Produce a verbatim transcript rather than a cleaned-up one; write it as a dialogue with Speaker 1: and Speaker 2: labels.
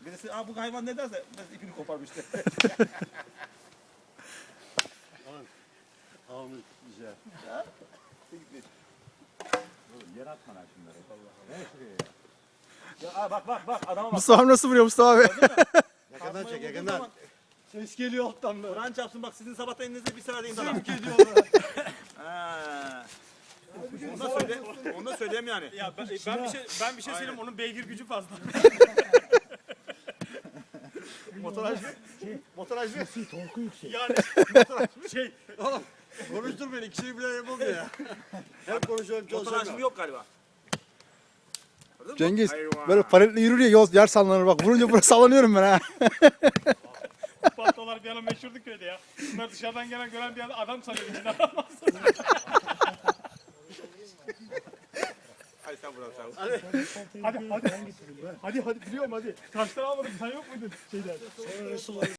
Speaker 1: Birisi Aa, bu hayvan ne derse ben ipini koparmıştı.
Speaker 2: Ahmet güzel.
Speaker 3: Yer atma lan şunları. Ne şuraya ya?
Speaker 1: Ya aa, bak bak bak adama bak.
Speaker 4: Mustafa nasıl vuruyor Mustafa abi?
Speaker 2: Yakından çek
Speaker 1: Kazmayı vurduğun
Speaker 2: yakından.
Speaker 1: zaman
Speaker 2: Ses geliyor alttan böyle.
Speaker 1: Kur'an çarpsın bak sizin sabahta elinizde bir sıra değil sana.
Speaker 2: Zevk ediyorlar.
Speaker 1: Ha. Onu da söyle. Onu da söyleyeyim yani.
Speaker 5: Ya ben, ben bir şey ben bir şey söyleyeyim, onun beygir gücü fazla.
Speaker 1: Motoraj mı? Motoraj mı?
Speaker 5: Yani şey
Speaker 2: Oğlum konuştur beni. İkisini bile yapamıyor ya. Hep konuşuyorum
Speaker 1: Motoraj mı
Speaker 2: çalışamıyorum.
Speaker 1: yok galiba. Gördün mü?
Speaker 4: Cengiz
Speaker 1: Hayvan.
Speaker 4: böyle paletle yürür ya yol yer sallanır bak. Vurunca buraya sallanıyorum ben ha.
Speaker 5: patlalar bir ara meşhurdu köyde ya. Bunlar dışarıdan gelen gören bir adam sanıyor, içinde adam var.
Speaker 1: Hadi sen buradan sen.
Speaker 5: Hadi hadi. Hadi hadi biliyorum hadi. Taşları almadım, sen yok muydun şeyden?